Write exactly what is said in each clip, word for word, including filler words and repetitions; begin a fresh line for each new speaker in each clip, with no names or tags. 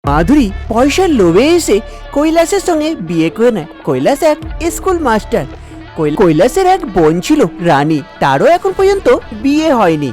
মাধুরী পয়সার লোভে এসে কৈলাসের সঙ্গে বিয়ে করে নেয়। কৈলাস এক স্কুল মাস্টার। কৈলাসের এক বোন ছিল রানী, তারও এখন পর্যন্ত বিয়ে হয়নি।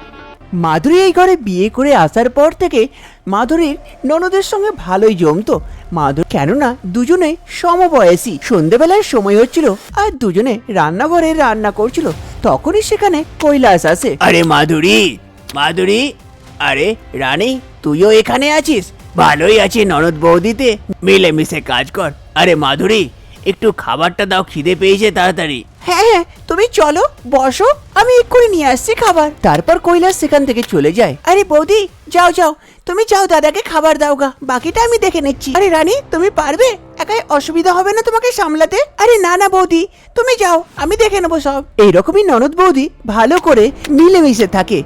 মাধুরী এই ঘরে বিয়ে করে আসার পর থেকে মাধুরীর ননদের সঙ্গে ভালোই জমতো। মাধুরী কেননা দুজনে সমবয়সী। সন্ধেবেলার সময় হচ্ছিল আর দুজনে রান্নাঘরে রান্না করছিল, তখনই সেখানে কৈলাস আসে। আরে মাধুরী, মাধুরী, আরে রানী, তুইও এখানে আছিস? ভালোই আছি ননদ বৌদিতে, মিলেমিশে কাজ কর। আরে মাধুরী, একটু খাবারটা দাও, খিদে পেয়েছে তাড়াতাড়ি। হ্যাঁ হ্যাঁ, তুমি চলো বসো, আমি এক্ষুনি নিয়ে আসছি খাবার। তারপর কৈলাস সেখান থেকে চলে যায়। আরে বৌদি, যাও যাও, তুমি যাও, দাদাকে খাবার দাও গা, বাকিটা আমি দেখে নিচ্ছি। আরে রানী, তুমি পারবে? একাই অসুবিধা হবে না তোমাকে সামলাতে? আরে না না বৌদি, তুমি যাও, আমি দেখে নেবো সব। এইরকমই ননদ বৌদি ভালো করে মিলেমিশে থাকে।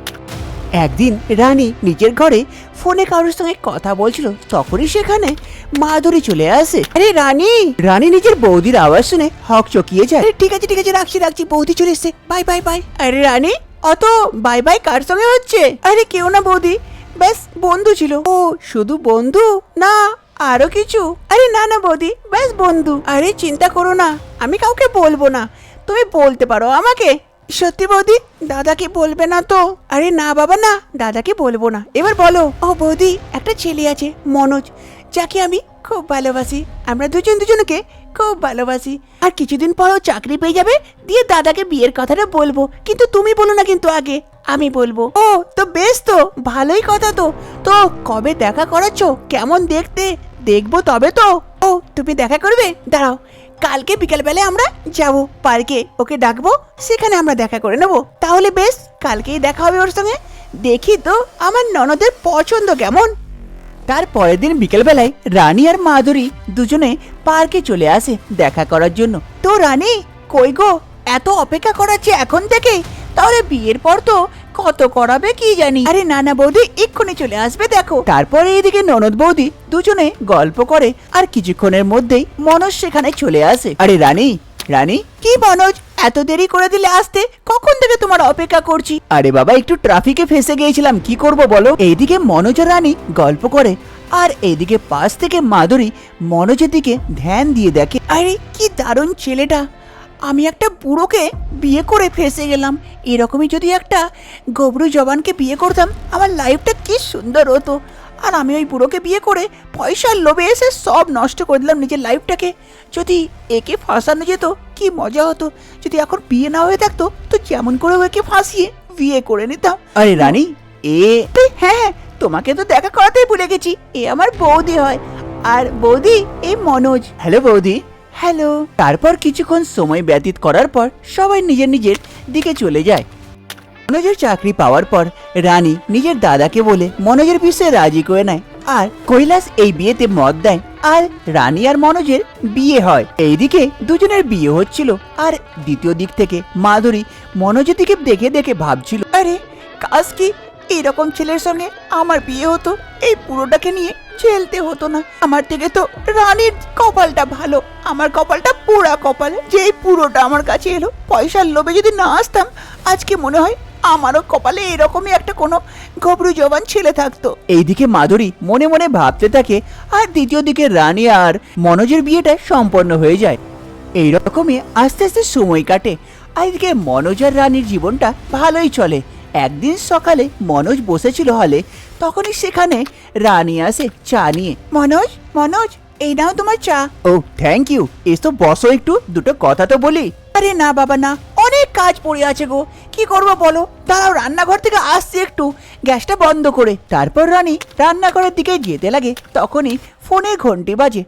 একদিন রানী নিজের ঘরে ফোনে কারোর সঙ্গে কথা বলছিল, তখনই সেখানে মাধুরী চলে আসে। আরে রানী, রানী নিজের বৌদির আওয়াজ শুনে হক চকিয়ে যায়। ঠিক আছে ঠিক আছে, রাখছি রাখছি, বৌদি চলে এসছে, বাই বাই বাই। আরে রানী, অত বাই বাই কার সঙ্গে হচ্ছে? আরে কেউ না বৌদি, ব্যাস বন্ধু ছিল। ও শুধু বন্ধু না আরো কিছু? আরে না না বৌদি, ব্যাস বন্ধু। আরে চিন্তা করো না, আমি কাউকে বলবো না, তুমি বলতে পারো আমাকে। সত্যি বৌদি, দাদাকে বলবে না তো? আরে না বাবা না, দাদাকে বলবো না। এবার বলো। ও বৌদি, একটা ছেলে আছে মনোজ, যাকে আমি খুব ভালোবাসি। আমরা দুজন দুজনকে খুব ভালোবাসি। আর কিছুদিন পরও চাকরি পেয়ে যাবে, দিয়ে দাদাকে বিয়ের কথাটা বলবো, কিন্তু তুমি বলো না, কিন্তু আগে আমি বলবো। ও তো বেশ, তো ভালোই কথা। তো তো কবে দেখা করাচ্ছ? কেমন দেখতে? দেখবো তবে তো। ও তুমি দেখা করবে? দাঁড়াও, কালকে বিকালবেলায় আমরা যাব পার্কে, ওকে ডাকবো, সেখানে আমরা দেখা করে নেবো। তাহলে বেশ, কালকেই দেখা হবে ওর সঙ্গে। দেখি তো আমার ননদের পছন্দ কেমন। তার পরের দিন বিকেলবেলায় রানী আর মাধুরী দুজনে পার্কে চলে আসে দেখা করার জন্য। তো রানী, কই গো, এত অপেক্ষা করাচ্ছে এখন থেকে? তাহলে বিয়ের পর তো কত করাবে কি জানি। আরে না না বৌদি, এক্ষুনি চলে আসবে, দেখো। তারপরে এইদিকে ননদ বৌদি দুজনে গল্প করে, আর কিছুক্ষণের মধ্যেই মনোজ সেখানে চলে আসে। আরে রানী, রানী, কি মনোজ, এত দেরি করে দিলে আসতে? কখন থেকে তোমার অপেক্ষা করছি। আরে বাবা, একটু ট্রাফিকে ফেসে গিয়েছিলাম, কি করব বলো। এইদিকে মনোজ আর রানী গল্প করে, আর এইদিকে পাশ থেকে মাধুরী মনোজের দিকে ধ্যান দিয়ে দেখে। আরে কি দারুণ ছেলেটা, আমি একটা বুড়োকে বিয়ে করে ফেসে গেলাম। এরকমই যদি একটা গবরু জবানকে বিয়ে করতাম, আমার লাইফটা কি সুন্দর হতো। আর আমি ওই বুড়োকে বিয়ে করে পয়সার লোভে এসে সব নষ্ট করে দিলাম নিজের লাইফটাকে। যদি একে ফাঁসানো যেত কি মজা হতো। যদি এখন বিয়ে না হয়ে থাকতো, তো যেমন করে একে ফাঁসিয়ে বিয়ে করে নিতাম। আরে রানী, এ হ্যাঁ হ্যাঁ, তোমাকে তো দেখা করাতেই ভুলে গেছি, এ আমার বৌদি হয়। আর বৌদি, এই মনোজ। হ্যালো বৌদি। হ্যালো। তারপর কিছুক্ষণ সময় ব্যতীত করার পর সবাই নিজের নিজের দিকে চলে যায়। মনোজের চাকরি পাওয়ার পর রানী নিজের দাদাকে বলে মনোজের বিষয়ে রাজি করে নেয়, আর কৈলাস এই বিয়েতে মত দেয়, আর রানী আর মনোজের বিয়ে হয়। এইদিকে দুজনের বিয়ে হচ্ছিল, আর দ্বিতীয় দিক থেকে মাধুরী মনোজের দিকে দেখে দেখে ভাবছিল, আরে কাজ কি এরকম ছেলের সঙ্গে আমার বিয়ে হতো, এই পুরোটাকে নিয়ে ঝেলতে হতো না। আমার থেকে তো রানীর কপালটা ভালো, আমার কপালটা পুরা কপাল, যে এই পুরোটা আমার কাছে এলো। পয়সার লোভে যদি না আসতাম, আজকে মনে হয় আমারও কপালে এরকমই একটা কোনো গবরু জবান ছেলে থাকতো। এইদিকে মাধুরী মনে মনে ভাবতে থাকে, আর দ্বিতীয় দিকে রানী আর মনোজের বিয়েটা সম্পন্ন হয়ে যায়। এইরকমই আস্তে আস্তে সময় কাটে, আর এদিকে মনোজ আর রানীর জীবনটা ভালোই চলে। একদিন সকালে মনোজ বসেছিল হলে, তখনই সেখানে রানী আসে চা নিয়ে। মনোজ, মনোজ, এই নাও তোমার চা। ও থ্যাংক ইউ, এসো বসো, একটু দুটো কথা তো বলি। আরে না বাবা না, অনেক কাজ পড়ে আছে গো, কি করবো বলো। দাঁড়াও, রান্নাঘর থেকে আসছি একটু, গ্যাসটা বন্ধ করে। তারপর রানী রান্নাঘরের দিকে যেতে লাগে, তখনই ফোনে ঘন্টি বাজে।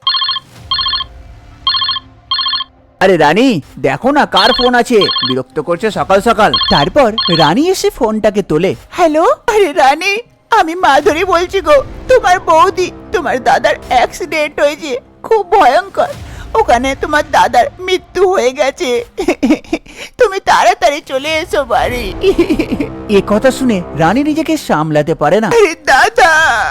আরে রানী, দেখো না কার ফোন আছে, বিরক্ত করছে সকাল সকাল। তারপর রানী এসে ফোনটাকে তোলে। হ্যালো। আরে রানী, আমি মাধুরী বলছি গো, তোমার বৌদি। তোমার দাদার অ্যাক্সিডেন্ট হয়েছে, খুব ভয়ঙ্কর। ওখানে তোমার দাদার মৃত্যু হয়ে গেছে, তুমি তাড়াতাড়ি চলে এসো বাড়ি। এ কথা শুনে রানী নিজেকে সামলাতে পারে না। আরে দাদা,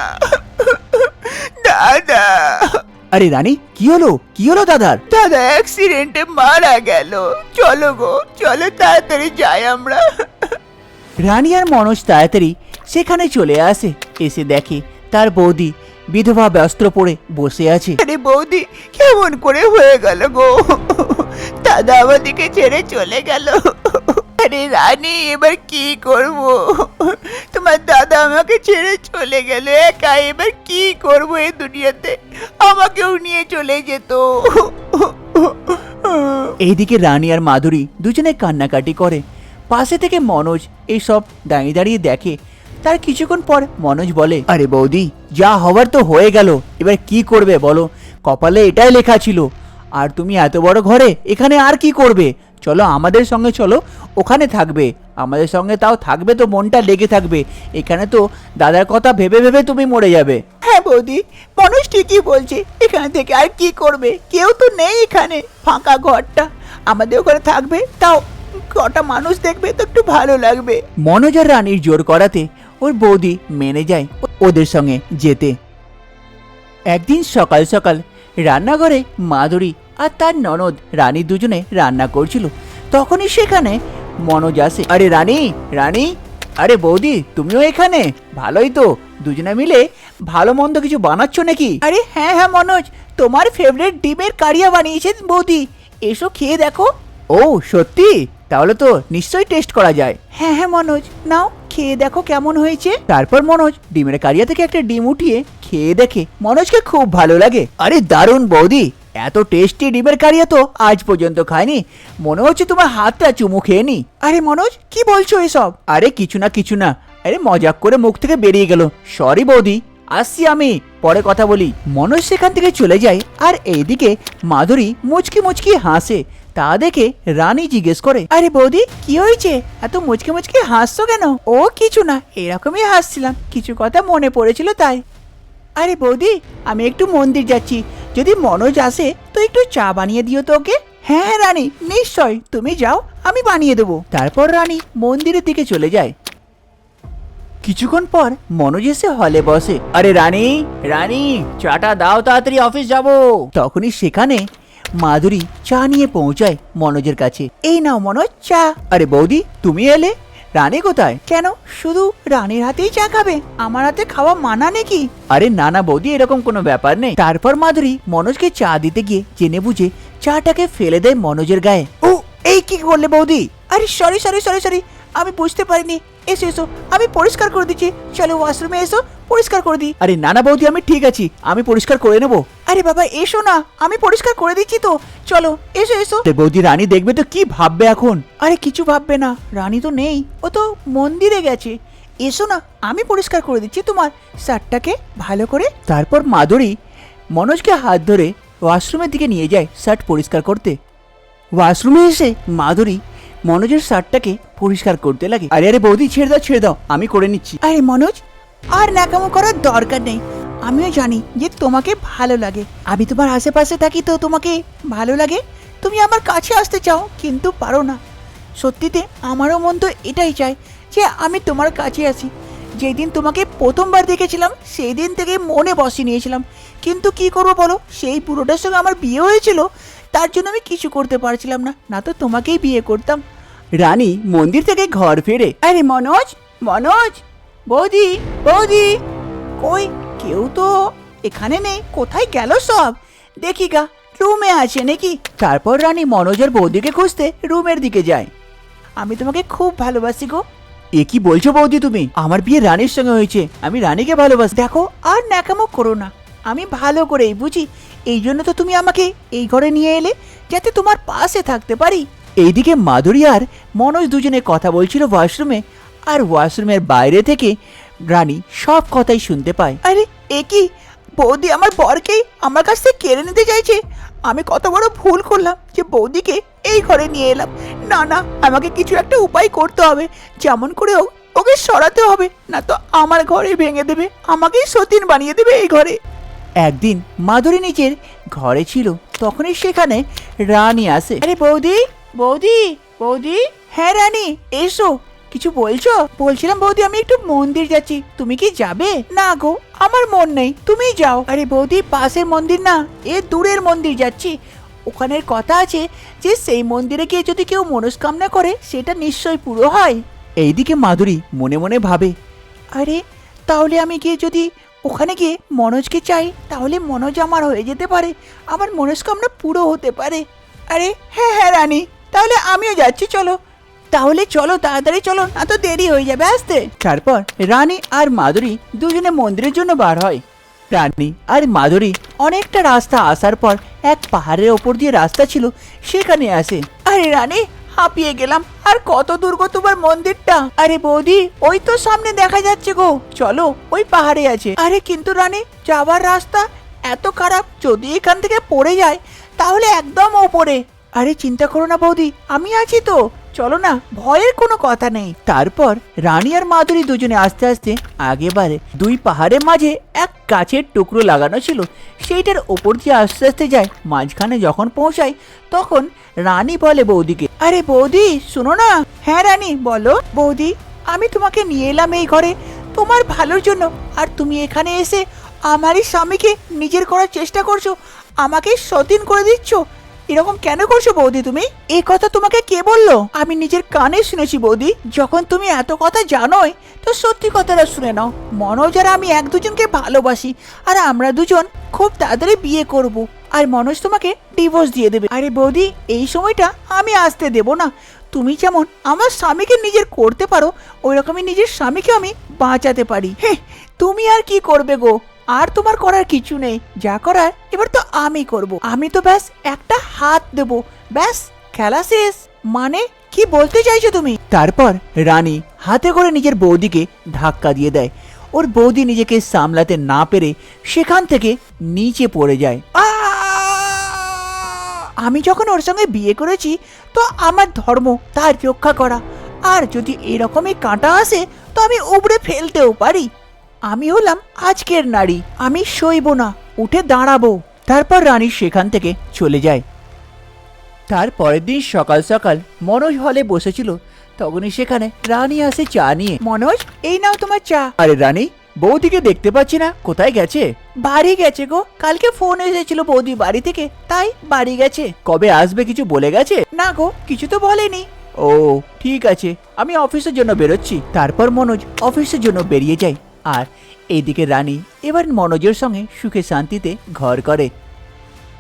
দাদা। আরে রানী, কি হলো, কি হলো দাদার? দাদা অ্যাক্সিডেন্টে মারা গেল, চলো গো, চলো তাড়াতাড়ি যাই আমরা। রানী আর মনোজ তাড়াতাড়ি সেখানে চলে আসে, এসে দেখে তার বৌদি বিধবা বস্ত্র পরে বসে আছে।
আরে বৌদি, কেমন করে হয়ে গেল গো? দাদা আমাদেরকে ছেড়ে চলে গেল। আরে রানী, এবার কি করব? তোমার দাদা আমাকে ছেড়ে চলে গেল একা, এবার কি করব এই দুনিয়াতে? আমাকেও নিয়ে চলে যেত।
এইদিকে রানী আর মাধুরী দুজনে কান্নাকাটি করে। পাশে থেকে মনোজ এইসব দাঁড়িয়ে দাঁড়িয়ে দেখে। তার কিছুক্ষণ পর মনোজ বলে, আরে বৌদি, যা হওয়ার তো হয়ে গেল, এবার কি করবে বলো? কপালে এটাই লেখা ছিল। আর তুমি এত বড় ঘরে এখানে আর কি করবে? চলো আমাদের সঙ্গে চলো, ওখানে থাকবে। আমাদের সঙ্গে তাও থাকবে তো মনটা লেগে থাকবে। এখানে তো দাদার কথা ভেবে ভেবে তুমি মরে যাবে।
হ্যাঁ বৌদি, মানুষ ঠিকই বলছে। এখান থেকে আর কি করবে? কেউ তো নেই এখানে, ফাঁকা ঘরটা। আমাদের ওখানে থাকবে, তাও কটা মানুষ দেখবে তো একটু ভালো লাগবে।
মনোজ আর রানীর জোর করাতে ওর বৌদি মেনে যায় ওদের সঙ্গে যেতে। একদিন সকাল সকাল রান্নাঘরে মাধুরী আর তার ননদ রানী দুজনে রান্না করছিল। তখনই সেখানে মনোজ আসে। আরে রানী, রানী, আরে বৌদি, তুমিও এখানে? ভালোই তো, দুজনে মিলে ভালো মন্দ কিছু বানাচ্ছ নাকি?
আরে হ্যাঁ হ্যাঁ মনোজ, তোমার ফেভারিট ডিমের কারিয়া বানিয়েছেন বৌদি, এসো খেয়ে দেখো।
ও সত্যি? তাহলে তো নিশ্চয়ই টেস্ট করা যায়।
হ্যাঁ হ্যাঁ মনোজ, নাও খেয়ে দেখো কেমন হয়েছে।
তারপর মনোজ ডিমের কারিয়া থেকে একটা ডিম উঠিয়ে খেয়ে দেখে মনোজকে খুব ভালো লাগে। আরে দারুণ বৌদি, এত টেস্টি ডিমের কারিয়া তো আজ পর্যন্ত খাইনি। মনে হচ্ছে তোমার হাতটা চুমু খেয়ে নি।
আরে মনোজ, কি বলছো এসব?
আরে কিছু না কিছু না, আরে মজাক করে মুখ থেকে বেরিয়ে গেল। সরি বৌদি, আসছি আমি, পরে কথা বলি। মনোজ সেখান থেকে চলে যায়। আর এইদিকে মাধুরী মুচকি মুচকি হাসে। তা দেখে রানী জিজ্ঞেস করে,
আরে বৌদি, কি হয়েছে? এত মুচকে মুচকে হাসছো কেন? ও কিছু না, এরকমই হাসছিলাম, কিছু কথা মনে পড়েছিল তাই। আরে বৌদি, আমি একটু মন্দির যাচ্ছি, যদি মনোজ আসে তো একটু চা বানিয়ে দিও তো ওকে। হ্যাঁ রানী, নিশ্চয়, তুমি যাও, আমি বানিয়ে দেবো।
তারপর রানী মন্দিরের দিকে চলে যায়। কিছুক্ষণ পর মনোজ এসে হলে বসে। আরে রানী, রানী, চাটা দাও, তাড়াতাড়ি অফিস যাব। তখনই সেখানে মাধুরী চা নিয়ে পৌঁছায় মনোজের কাছে।
এই নাও মনোজ, চা।
আরে বৌদি, তুমি এলে? রানী কোথায়?
কেন, শুধু রানীর হাতেই চা খাবে? আমার হাতে খাওয়া মানা নাকি?
আরে না না বৌদি, এরকম কোনো ব্যাপার নেই। তারপর মাধুরী মনোজকে চা দিতে গিয়ে জেনে বুঝে চাটাকে ফেলে দেয় মনোজের গায়ে।
ও, এই কি করলে বৌদি? আরে সরি সরি সরি সরি, আমি বুঝতে পারিনি। এসো এসো, আমি পরিষ্কার করে দিচ্ছি, চলো ওয়াশরুমে এসো, পরিষ্কার করে দিই।
আরে না না বৌদি, আমি ঠিক আছি, আমি পরিষ্কার করে নেবো।
আরে বাবা এসো না, আমি পরিষ্কার করে দিচ্ছি তো, চলো এসো এসো।
বৌদি, রানী দেখবে তো কি ভাববে এখন?
আরে কিছু ভাববে না, রানী তো নেই, ও তো মন্দিরে গেছে। এসো না, আমি পরিষ্কার করে দিচ্ছি তোমার শার্টটাকে ভালো করে।
তারপর মাধুরী মনোজকে হাত ধরে ওয়াশরুমের দিকে নিয়ে যায় শার্ট পরিষ্কার করতে। ওয়াশরুমে এসে মাধুরী মনোজের শার্টটাকে পরিষ্কার করতে লাগে। আরে আরে বৌদি, ছেড়ে দাও ছেড়ে দাও, আমি করে নিচ্ছি।
আরে মনোজ, আর ন্যাকামো করার দরকার নেই। আমিও জানি যে তোমাকে ভালো লাগে, আমি তোমার আশেপাশে থাকি তো তোমাকে ভালো লাগে। তুমি আমার কাছে আসতে চাও কিন্তু পারো না। সত্যিতে আমারও মন তো এটাই চায় যে আমি তোমার কাছে আসি। যেই দিন তোমাকে প্রথমবার দেখেছিলাম সেই দিন থেকে মনে বসিয়ে নিয়েছিলাম, কিন্তু কি করবো বলো, সেই পুরোটার সঙ্গে আমার বিয়ে হয়েছিল, তার জন্য আমি কিছু করতে পারছিলাম না, না তো তোমাকেই বিয়ে করতাম।
রানী মন্দির থেকে ঘর ফেরে।
আরে মনোজ, মনোজ, বৌদি, বৌদি, কই কেউ তো এখানে নেই, কোথায় গেল সব? দেখি গা, রুমে আছে নাকি?
তারপর রানী মনোজের বৌদিকে খুঁজতে রুমের দিকে যায়।
আমি তোমাকে খুব ভালোবাসি গো।
এ কি বলছো বৌদি তুমি? আমার বিয়ে রানীর সঙ্গে হয়েছে, আমি রানীকে ভালোবাসি।
দেখো, আর ন্যাকামো করো না, আমি ভালো করেই বুঝি, এই জন্য তো তুমি আমাকে এই ঘরে নিয়ে এলে, যাতে তোমার পাশে থাকতে পারি।
এইদিকে মাধুরী আর মনোজ দুজনে কথা বলছিল ওয়াশরুমে। আর ওয়াশরুমের বাইরে থেকে রানী সব কথাই শুনতে পায়।
আরে এ কি, বৌদি আমার বরকেই আমার কাছ থেকে কেড়ে নিতে চাইছে। আমি কত বড় ভুল করলাম যে বৌদিকে এই ঘরে নিয়ে এলাম। না না, আমাকে কিছু একটা উপায় করতে হবে, যেমন করে হোক ওকে সরাতে হবে, না তো আমার ঘরে ভেঙে দেবে, আমাকেই সতীন বানিয়ে দেবে এই ঘরে।
একদিন মাধুরী নিজের ঘরে ছিল, তখনই সেখানে রানী আসে।
আরে বৌদি, বৌদি, বৌদি, হ্যাঁ রানী এসো। কিছু বলছো? বলছিলাম বৌদি, আমি একটু মন্দির যাচ্ছি, তুমি কি যাবে? না গো, আমার মন নেই, তুমি যাও। আরে বৌদি, পাশের মন্দির না, এ দূরের মন্দির যাচ্ছি। ওখানের কথা আছে যে সেই মন্দিরে গিয়ে যদি কেউ মনস্কামনা করে সেটা নিশ্চয়ই পুরো হয়।
এইদিকে মাধুরী মনে মনে ভাবে,
আরে তাহলে আমি গিয়ে যদি ওখানে গিয়ে মনোজকে চাই, তাহলে মনোজ আমার হয়ে যেতে পারে, আমার মনস্কামনা পুরো হতে পারে। আরে হ্যাঁ হ্যাঁ রানী, তাহলে আমিও যাচ্ছি, চলো তাহলে, চলো তাড়াতাড়ি চলো, না তো দেরি হয়ে যাবে আসতে। তারপর রানী আর মাধুরী দুজনে মন্দিরের জন্য বার হয়। রানী আর মাধুরী অনেকটা রাস্তা আসার পর এক পাহাড়ের ওপর দিয়ে রাস্তা ছিল, সেখানে আসে। আরে রানী, হাঁপিয়ে গেলাম, আর কত দূর গো তোমার মন্দিরটা? আরে বৌদি, ওই তো সামনে দেখা যাচ্ছে গো, চলো ওই পাহাড়ে আছে। আরে কিন্তু রানী, যাওয়ার রাস্তা এত খারাপ, যদি এখান থেকে পড়ে যায় তাহলে একদম ওপরে। আরে চিন্তা করো না বৌদি, আমি আছি তো, চলো না, ভয়ের কোনো কথা নেই। তারপর রানী আর মাধুরী দুজনে আস্তে আস্তে আগে বাড়ে। দুই পাহাড়ের মাঝে এক গাছের টুকরো লাগানো ছিল, সেইটার ওপর দিয়ে আস্তে আস্তে যায়। মাঝখানে যখন পৌঁছায় তখন রানী বলে বৌদিকে, আরে বৌদি শোনো না। হ্যাঁ রানী বলো। বৌদি, আমি তোমাকে নিয়ে এলাম এই ঘরে তোমার ভালোর জন্য, আর তুমি এখানে এসে আমারই স্বামীকে নিজের করার চেষ্টা করছো, আমাকে সতীন করে দিচ্ছ। এরকম কেন করছো বৌদি তুমি? এই কথা তোমাকে কে বললো? আমি নিজের কানে শুনেছি বৌদি। যখন তুমি এত কথা জানোই তো সত্যি কথাটা শুনে নাও। মনোজ আর আমি এক দুজনকে ভালোবাসি, আর আমরা দুজন খুব তাড়াতাড়ি বিয়ে করব, আর মনোজ তোমাকে ডিভোর্স দিয়ে দেবে। আরে বৌদি, এই সময়টা আমি আসতে দেব না। তুমি যেমন আমার স্বামীকে নিজের করতে পারো, ওই রকমই নিজের স্বামীকে আমি বাঁচাতে পারি। হ্যাঁ, তুমি আর কি করবে গো? আর তোমার করার কিছু নেই, যা করার এবার তো আমি করব। আমি তো ব্যাস একটা হাত দেব, ব্যাস খেলা শেষ। মানে কি বলতে চাইছো তুমি? তারপর রানী হাতে করে নিজের বৌদিকে ধাক্কা দিয়ে দেয়। ওর বৌদি নিজেকে সামলাতে না পেরে সেখান থেকে নিচে পড়ে যায়। আমি যখন ওর সঙ্গে বিয়ে করেছি তো আমার ধর্ম তার রক্ষা করা, আর যদি এরকমই কাঁটা আসে তো আমি উপড়ে ফেলতেও পারি। আমি হলাম আজকের নারী, আমি সইব না, উঠে দাঁড়াবো। তারপর রানী সেখান থেকে চলে যায়। তার পরের দিন সকাল সকাল মনোজ হলে বসেছিল, তখনই সেখানে রানী আসে চা নিয়ে। মনোজ, এই নাও তোমার চা। আরে রানী, বৌদিকে দেখতে পাচ্ছি না, কোথায় গেছে? বাড়ি গেছে গো, কালকে ফোন এসেছিল বৌদি বাড়ি থেকে, তাই বাড়ি গেছে। কবে আসবে কিছু বলে গেছে? না গো, কিছু তো বলেনি। ও ঠিক আছে, আমি অফিসের জন্য বেরোচ্ছি। তারপর মনোজ অফিসের জন্য বেরিয়ে যায়, আর এইদিকে রানী এবার মনোজের সঙ্গে সুখে শান্তিতে ঘর করে।